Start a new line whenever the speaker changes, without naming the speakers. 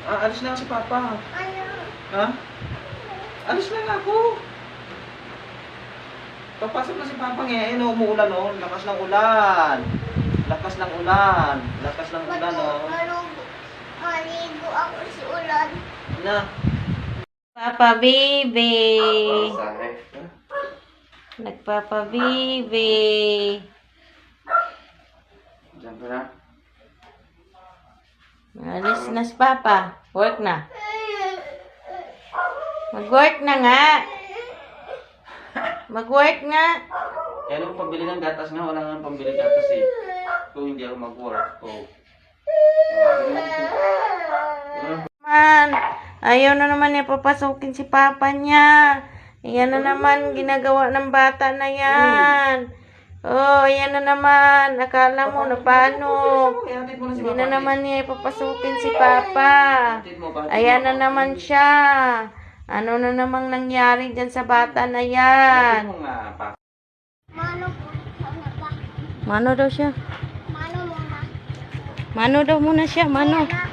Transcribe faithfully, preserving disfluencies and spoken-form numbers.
Ah, alis na ako si Papa.
Ano?
Ha? Alis na nga ako. Papasok na si Papa ngayon. Ayun, umuulan oh. Lakas ng ulan. Lakas ng ulan. Lakas ng ulan oh.
Malugo. Maligo ako sa ulan.
Na.
Papa baby.
Sahe.
Nagpapa baby.
Diyan ka na.
Alis na si Papa. Work na. Mag-work na nga. Mag-work nga.
Kaya nung pambili ng gatas nga, wala nga pambili gatas eh. Kung hindi ako mag-work. Oh.
Man, ayaw na naman niya papasukin si Papa niya. Ayan na naman, ginagawa ng bata na yan. Oh, ayan na naman. Akala mo na paano. Hindi na naman niya ipapasukin si Papa. Ayan na naman siya. Ano na namang nangyari dyan sa bata na yan?
Mano po. Sana ba?
Mano daw siya.
Mano muna.
Mano daw muna siya, mano.
Ayan na.